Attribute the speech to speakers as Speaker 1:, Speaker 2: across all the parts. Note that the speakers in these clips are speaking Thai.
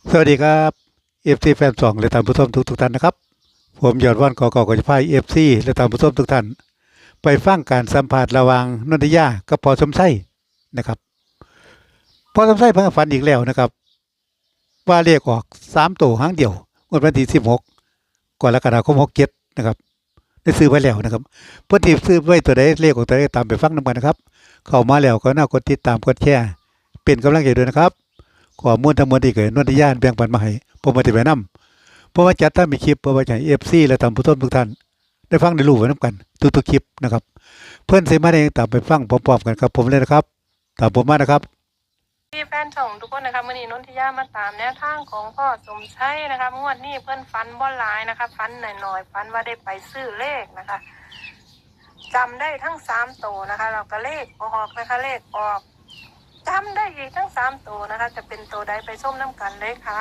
Speaker 1: สวัสดีครับเอฟซีแฟนสองและท่านผู้ชมทุกท่านนะครับผมยอดว่านกอกจะพายเอฟซีและท่านผู้ชมทุกท่านไปฟังการสัมภาษณ์ระหว่างนนทิยากับพอสมไส้นะครับพอสมไส้เพิ่งฝันอีกแล้วนะครับว่าเรียกออก3 ตัวหางเดียววันที่16กรกฎาคม67นะครับได้ซื้อไว้แล้วนะครับเพื่อนที่ซื้อไว้ตัวใดเลขของตัวใดตามไปฟังนำกันนะครับเข้ามาแล้วก็น่ากดติดตามกดแชร์เป็นกำลังใจด้วยนะครับข้อมูลทั้งหมดที่เกิดนนทิยาแบ่งปันมาให้ผมมาติดไว้นำ เพราะว่าจัดถ้ามีคลิปเพื่อไว้ให้เอฟซีและท่านผู้ชมทุกท่านได้ฟังได้รู้ไว้น้ำกันทุกๆคลิปนะครับเพื่อนเสมาเองตามไปฟังพร้อมๆกันครับผมเลยนะครับตามผมมานะครับ
Speaker 2: ที่แฟนช่องทุกคนนะคะมื่อนี้นนทิยามาตามแนวทางของพ่อสมชัยนะคะงวดนี้เพื่อนฟันบ่หลายนะคะฟันหน่อยๆฟันว่าได้ไปซื้อเลขนะคะจำได้ทั้ง3 ตัวนะคะเราก็เลขออกนะคะเลขออกจำได้อีกทั้ง3 ตัวนะคะจะเป็นตัวใดไปส้มน้ำกันเลยค่ะ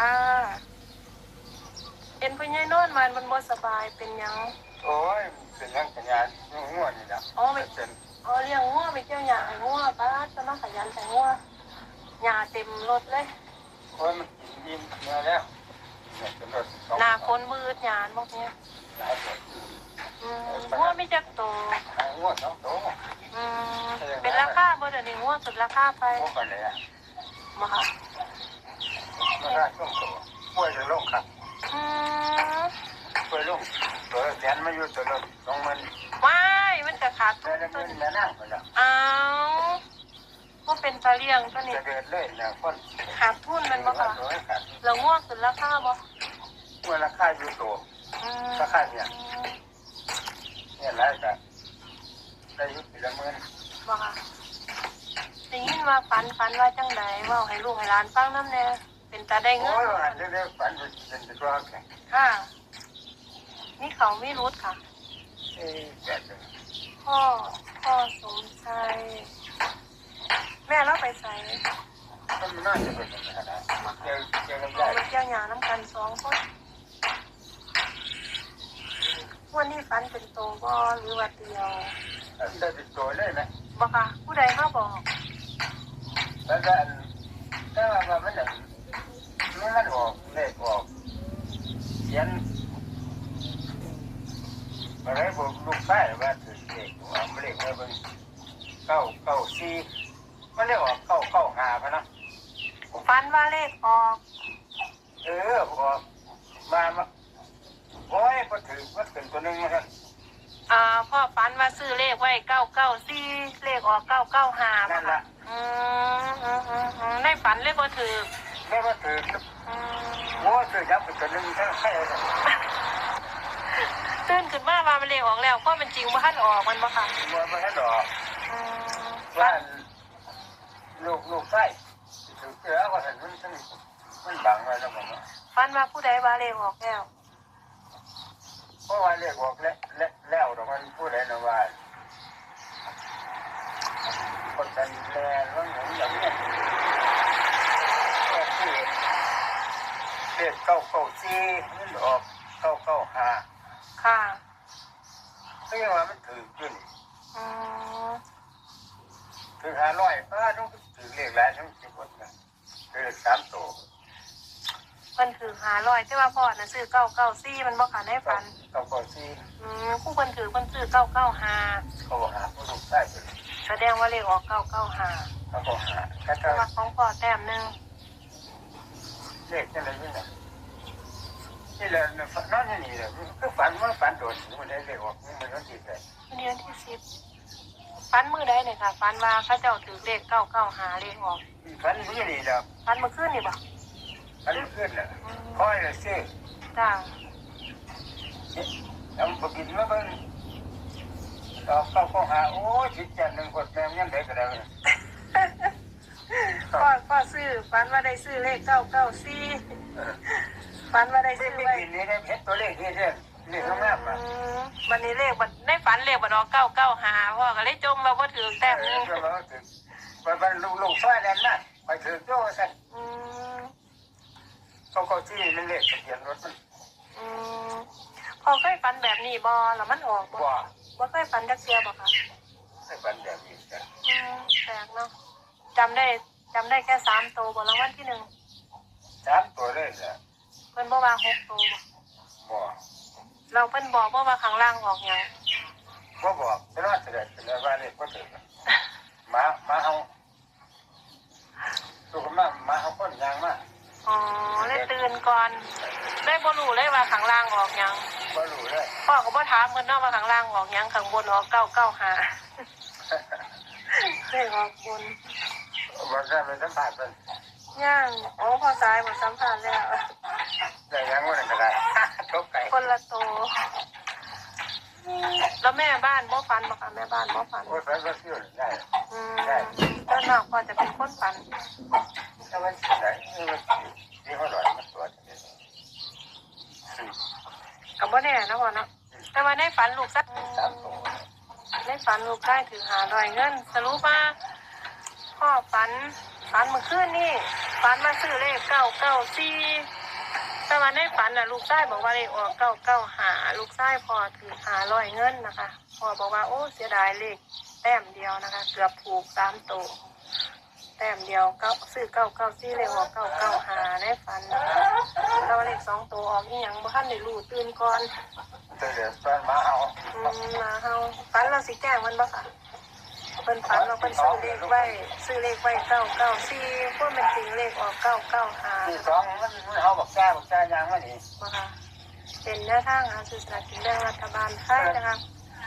Speaker 2: เป็นผู้ใหญ่นอนมันบ่สบายเป็นยัง
Speaker 3: โอ้ยเป็นยังสัญญาณง่วงนี่นะ
Speaker 2: อ๋อไม่
Speaker 3: เป็น
Speaker 2: อ๋อเลี้ยงงัวไปเกี่ยวหญ้าให้งัวป้าจะมาขยันแต่งัวหญ้าเต็มรถเลย
Speaker 3: โอ้ยมันกินยิ้มเนื้อแล้วเนี่ยเป็นรถสอง
Speaker 2: หน้าฝนมืดหยานพวกเนี้ย
Speaker 3: หลายคน
Speaker 2: งัวไม่จักโต
Speaker 3: หายง่วงสองตัว
Speaker 2: เป็นราคาบ่เดี๋ยวนี้งัวสุดราคาไป
Speaker 3: ง่วงกันเลยอ่ะ
Speaker 2: มาค่ะ
Speaker 3: ไม่ได้ช่วงตัวป่วยจะลงครับป่วยลงตัวแสนมาอยู่ตัวละ20,000
Speaker 2: ว้ายมันจะขาดทุ
Speaker 3: แม่
Speaker 2: น
Speaker 3: ละ
Speaker 2: ตั
Speaker 3: เงิ
Speaker 2: วน นี้
Speaker 3: แม่นั่งไปแล้ว
Speaker 2: อ้าวว่าเป็นตาเลี้ยงตัวนี้
Speaker 3: จะเดินเลยนะคน
Speaker 2: ขาดทุนมันบ่ค่ะ
Speaker 3: ตัวให้ขาด
Speaker 2: แล้วงัวสุดราคาบ่
Speaker 3: เมื่อราคาอยู่ตัวราคาเนี่ยหลายแต่ได้ยุติละเมิน
Speaker 2: บ่ค่ะได้ยินว่าฝันว่าจังไดเว้าให้ลูกให้หลานฟังนำแน่เป็นตาได้เงิ
Speaker 3: โอ้
Speaker 2: น
Speaker 3: ยอันนี้ฝันเป็นตัวแข็ง
Speaker 2: ค่ะนี่เขาไม่รู้ค่ะ
Speaker 3: แก่เลย
Speaker 2: พ่อสมชัยแม่เราไปใส่
Speaker 3: มันน่าจะเป็นอย่างนั้นนะเจอกัน
Speaker 2: เรา
Speaker 3: ได้
Speaker 2: ไปเที่ยวหยาน้ำกัน2 คนวันนี้ฝันเป็นโตบ่หรือว่าเดียว
Speaker 3: ได้ติดตัวเลยนะ
Speaker 2: บ่ค่ะผู้ใดมาบอก
Speaker 3: แล้วก็ถ้าว่ามันแบบมันออกเลขออกเขียนอะไรบอกลูกชายว่าถือเลขว่ามันเลขว่าเป็น994มันเลขออก995พะนะ
Speaker 2: ฝันว่าเลขออก
Speaker 3: ออกมาโอ้ยพอถือมันเป็นตัวนึงนะครับ
Speaker 2: พ่อฝันว่าซื้อเลขไว้994เลขออก995
Speaker 3: นั่นละ
Speaker 2: ในฝันเลขบ่ถูก
Speaker 3: แม่ว่าถือโอ้ถือยับเป็นตัวนึงทั้งใครเลย
Speaker 2: ตื่นขึ้นมาว่ามันเลขออกแล้วเพราะมันจริงบ่ทันออกมันบ่ค่ะ
Speaker 3: มัวมันให้ดอก
Speaker 2: ฝั
Speaker 3: ว่าน ลูกไส้ถือเกลือว่าเห็นมันบังไว้แล้วมัน
Speaker 2: ฝันว่าผู้ใดว่าเลขออกแล้ว
Speaker 3: เพราะว่าเรียกบอกแล้วแต่มันพูดอะไรนะว่าคนกันแลว่าเหมือนอย่างนี้ก็คือเรียก994มันออก995
Speaker 2: ค่ะ
Speaker 3: ก็ยังว่ามันถือขึ้น
Speaker 2: อืม
Speaker 3: ถือ500ป้าต้องถือเรียกหลายทั้ง10คนนะถือ3ตัว
Speaker 2: เพิ่นถือ500แต่ว่าพ่อน่ะซื้อ994มันบ่ค่ะในฝัน
Speaker 3: 994
Speaker 2: ผู้เพิ่นถือเพิ่นซื้อ995
Speaker 3: เขาบอกหาผู้ลูกไส้ไป
Speaker 2: แสดงว่าเลขออก995
Speaker 3: เขาบอกหาแค่
Speaker 2: แต่ว่าของพ่อแต้มหนึง
Speaker 3: เลขอะไรนี่นะนี่แหละนั่นนี่แหละคือฝันโดดมันได้เลขออกมันก็ติดเลย
Speaker 2: วันนี้วันที่10ฝันมื้อใดเนี่ยค่ะฝันว่าเขาเจ้าถือเลข995เลขออก
Speaker 3: ฝันนี่นี่แหละ
Speaker 2: ฝันเมื่อคืนนี่บ่
Speaker 3: ฝันขึ้นแหละคอยเลยซื้อ
Speaker 2: จ้า
Speaker 3: ทำปกินมาเบิ่งต่อเข้าหาโอ้จิตจันหนึ่งคนแม่ยังได้ก็ได้
Speaker 2: ก็ซื้อฝันว่าได้ซื้อเลข994ฝันว่าได้
Speaker 3: ไม่
Speaker 2: ซื้อ
Speaker 3: ไม่
Speaker 2: ไว้
Speaker 3: กินนี่ได้เห็นตัวเลขนี่เด้อเลขข้างหน้ามา
Speaker 2: วันนี้เลขบัดในฝันเลขบัดออก995พ่อก็เลยจมว่าบ่ถือแต้มหนึง
Speaker 3: ก็ว่าถึงมันลูกซ้ายนั่นนะไปถึงโจ้สั่น
Speaker 2: อืม
Speaker 3: เขาที่มันเลขทะเบียนรถมัน
Speaker 2: อืมพอเคยฝันแบบนี้บ่แล้วมันออกบ่
Speaker 3: ว่า
Speaker 2: บ่เคยฝันจักเที่ยบ่คะ
Speaker 3: ให้ฝันแบบนี้จ้ะ
Speaker 2: แปลกเนาะจำได้แค่3 ตัวบ่รางวัลที่ 1
Speaker 3: 3 ตัวเลยนะ
Speaker 2: ว่า6ตัวบ่
Speaker 3: บ่
Speaker 2: เราเพิ่นบอกว่าข้างล่างออกหยัง
Speaker 3: บ่บอกแต่ว่าเสด็จเป็นว่าเลขบ่ถึงมาเอาตัวมาเอาคนยางมา
Speaker 2: อ๋อเลยตื่นก่อนได้บ่รู้เลยว่าข้างล่างออกหยัง
Speaker 3: บ่รู้เลย
Speaker 2: พ่อก็บ่ถามเพิ่นเนาะว่าข้างล่างออกหยังข้างบนออก995ได้ออกบน
Speaker 3: บ่ได้ไปสัมภาษณ์เพิ่น
Speaker 2: ย่างอ๋อพอสายบ่สัมภาษณ์แล้ว
Speaker 3: ได้ยังบ่ได้ก็ได้ตกไก่
Speaker 2: คนละโตแล้วแม่บ้านบ่ฝันบ่คะแม่บ้านบ่ฝัน
Speaker 3: โอ้ยเพิ่นก็ชื่อได้
Speaker 2: ต้นนอกพ่อจะเป็นคนฝัน
Speaker 3: ถ้ามันได้นี่เขาหลอยมันตัวนี้
Speaker 2: กับบ่แน่นะพ่อเนาะแต่ว่าในฝันลูกสัก
Speaker 3: ตามตัว
Speaker 2: ในฝันลูกได้ถือ500เงินสรุปว่าพ่อฝันเมื่อคืนนี่ฝันมาซื้อเลข994แต่ว่าในฝันน่ะลูกชายบอกว่าเลขออก995ลูกชายพ่อถือ500เงินนะคะพ่อบอกว่าโอ้เสียดายเลขแต้มเดียวนะคะเกือบถูก3ตัวแต้มเดียวซื้อ994เลขออก995ในฝันนะคะแต่ว่าเลข2ตัวออกอีหยังบ่ทันได้รู้ตื่นก่อน
Speaker 3: ตัวเดี๋ยวตอนมาเอา
Speaker 2: มาเฮาฝันเราสิแจ้งมันบ่ค่ะเพิ่นฝันเราเพิ่นซื้อเลขไว้994พวกมันจริงเลขออก995
Speaker 3: ที่สองมันเขาบอกแก้ยางมานี่
Speaker 2: บ่ค่ะเป็นแนวทางหาซื้อสลากกินแบ่งรัฐบาลไทยนะคะ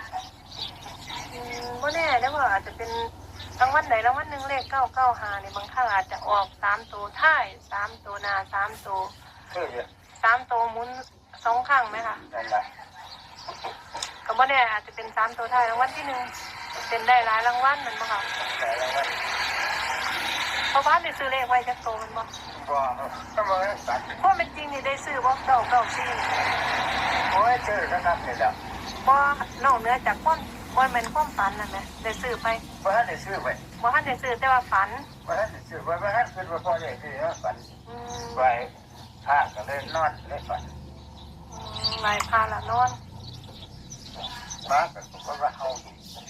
Speaker 2: บ่แน่เด้อว่าอาจจะเป็นรางวัลใดรางวัลหนึ่งเลข995นี่บางครั้งอาจจะออก3ตัวท้าย3ตัวหน้า3ตัว
Speaker 3: คือเยอะ
Speaker 2: 3ตัวหมุน2ครั้งไหมคะ
Speaker 3: นั่นแหละ
Speaker 2: ก็บ่แน่อาจจะเป็น3ตัวท้ายรางวัลที่1เป็นได้หลายรางวัลมันบ่ค่ะ
Speaker 3: แต่ละวัน
Speaker 2: เพราะว่าได้ซื้อเลขไว้จักโตมันบ่
Speaker 3: ก็ต้องมาตัด
Speaker 2: เพราะเป็นจริงนี่ได้ซื้อบ่994
Speaker 3: โอ้ยเจอแล้วครับนี่แหละ
Speaker 2: บ่นอกเหนือจากความบ่แม่นความฝันนั่นแหละได้ซื้อไป
Speaker 3: ว่าท่านได้ซื้อไป
Speaker 2: บ่ทันได้ซื้อแต่ว่าฝัน
Speaker 3: ว่าท่านได้ซื้อไปว่าท่านขึ้นมาพอได้ที่นะฝัน
Speaker 2: อืม
Speaker 3: ไว้ผ้าก็เลยนอนเลยฝัน
Speaker 2: ไหว้พระละนอน
Speaker 3: มาก็บอกว่าเอา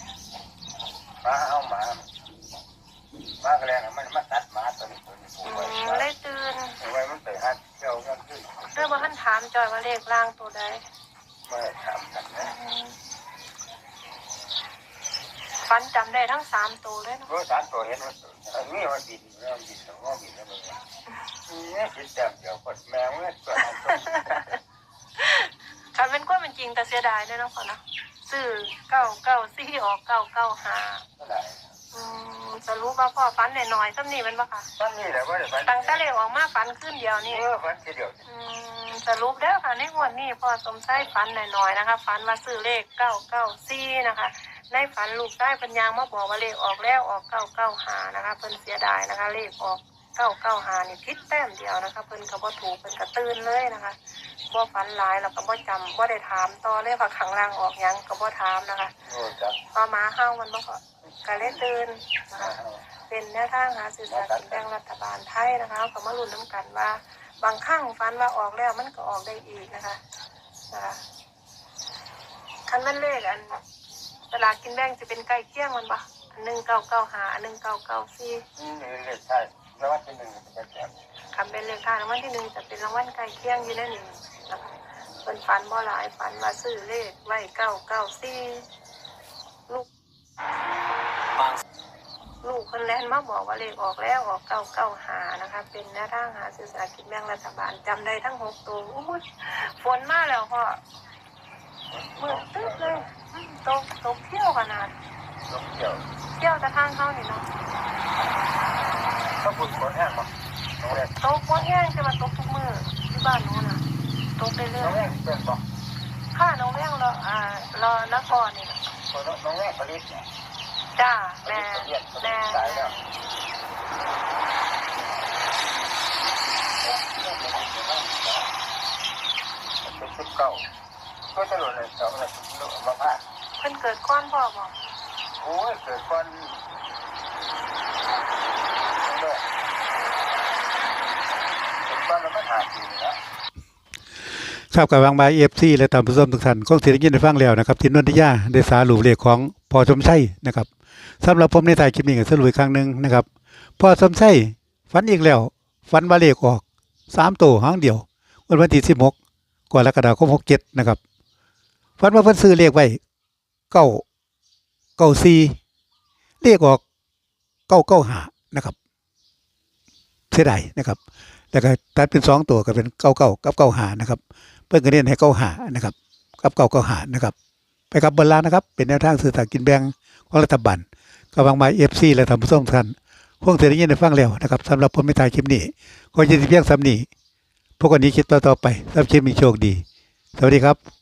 Speaker 3: หมาก็แล้วมันมาตัดหมาตัวนี้ผูกไว้
Speaker 2: เลยตื่น
Speaker 3: ไว้มันไปหัดเจ้ากันขึ้น
Speaker 2: เรื่องบ่ทันถามจอยว่าเลขล่างตัวใด
Speaker 3: เมื่อถามกันนะ
Speaker 2: ฝันจำได้ทั้ง3ตัวเลยเนาะ
Speaker 3: รู้สารตัวเห็นว่ามีว่าบินแล้วบินแล้วบินแล้วมันนี่คิดแต่เดี๋ยวกดแมวเนี่ยตัวนั้นตัว
Speaker 2: คันเป็นความเป็นจริงแต่เสียดายเด้อเนาะพ่อเนาะซื้อ994ออก995
Speaker 3: ก็ได้
Speaker 2: สรุปว่าพ่อฝันน้อยๆซ้ำนี่มันบ่ค่ะ
Speaker 3: ตอนนี้แหละว่าฝัน
Speaker 2: ตั้งแต่เลขออกมาฝันขึ้นเดียวนี่
Speaker 3: ฝันทีเดียว
Speaker 2: สรุปเด้อค่ะในงวดนี้พ่อสมชายฝันหน่อยๆนะคะฝันว่าซื้อเลข994นะคะในฝันลูกได้ปัญญางมาบอกว่าเลขออกแล้วออก995นะคะเพิ่นเสียดายนะคะเลขออก995นี่ผิดแต้มเดียวนะคะเพิ่นก็บ่ถูกเพิ่นก็ตื่นเลยนะคะบ่ฝันหลายแล้วก็บ่จำบ่ได้ถามต่อเลยว่าข้างล่างออกหยังก็บ่ถามนะคะ
Speaker 3: โอ้จับ
Speaker 2: พอหมาเฮามันบ่ก็เลยตื่นนะคะเป็นแนวทางหาซื้อสลากกินแบ่งรัฐบาลไทยนะคะก็มาลุ้นน้ำกันว่าบางครั้งฝันว่าออกแล้วมันก็ออกได้อีกนะคะคันมันเลขอันสลากกินแบ่งจะเป็นใกล้เคียงมันปะอัน1995อัน1994
Speaker 3: นี่เลยใช่แล้วว่าที่หนึ่งเป็นแก่
Speaker 2: คันเป็นเลขท้ายรางวัลที่1จะเป็นรางวัลใกล้เคียงอยู่ในนี้นะคะเป็นฝันบ่หลายฝันว่าซื้อเลขไว้994ลูกคนแรกมาบอกว่าเลขออกแล้วออก995นะคะเป็นแนวทางหาซื้อสลากกินแบ่งรัฐบาลจำได้ทั้ง6ตัวอุ้ยฝนมาแล้วพ่อมืดตึ๊บเลยตกเที่ยวขนาด
Speaker 3: ลูกเกี่ยว
Speaker 2: เที่ยวจะทางเข้านี่เนาะ
Speaker 3: ก็ปุ่นคนแห้งมั้งน้องแรก
Speaker 2: ตกวันแห้งจะมาตกทุกมือที่บ้านนู้นน่ะตกเรื่
Speaker 3: น้
Speaker 2: อ
Speaker 3: อง
Speaker 2: ย
Speaker 3: แรกเป็นบอก
Speaker 2: ๆข้าน้องแม่งรอนครนี่นะ
Speaker 3: น้องแรกผลิตเนี่ย
Speaker 2: จ้า
Speaker 3: ผลิ
Speaker 2: แม่
Speaker 3: ตตายแล้วเป็นชุดเก่าก็จะหล่นเลยเก่าเลยหล่นมาพลาด
Speaker 2: เพิ่นเกิดก้อนพ่อบอก
Speaker 3: โอ้ยเกิดก่อนเกิดก่อนแล้วก็หาปีแล้ว
Speaker 1: ครับกับบางบายFC และตามผู้ชมทุกท่านคงสิได้ยินได้ฟังแล้วนะครับที่นนทิยาได้สารุปเลขของพ่อสมชัยนะครับสำหรับผมในท้ายคลิปนี้ก็สรุปอีกครั้งหนึงนะครับพ่อสมชัยฝันอีกแล้วฝันว่าเลขออก3ตัวหางเดียววันที่16กรกฎาคม67นะครับฝันว่าเพิ่นซื้อเลขไว้994เลขออก995นะครับเสียดายนะครับแล้วก็ตัดเป็น2ตัวก็เป็น99กับ95นะครับเพิ่นก็เน้นให้95นะครับกับ995นะครับไปกับบนล่างนะครับเป็นแนวทางสื่อสารกินแบ่งของรัฐบาลก็หวังว่า FC และท่านผู้ชมทุกท่านคงจะได้ยินได้ฟังแล้วนะครับสำหรับผมไม่ถ่ายคลิปนี้ก็จะเพียงซ้ำนี้พวกคนนี้คิดต่อไปสำหรับคลิปมีโชคดีสวัสดีครับ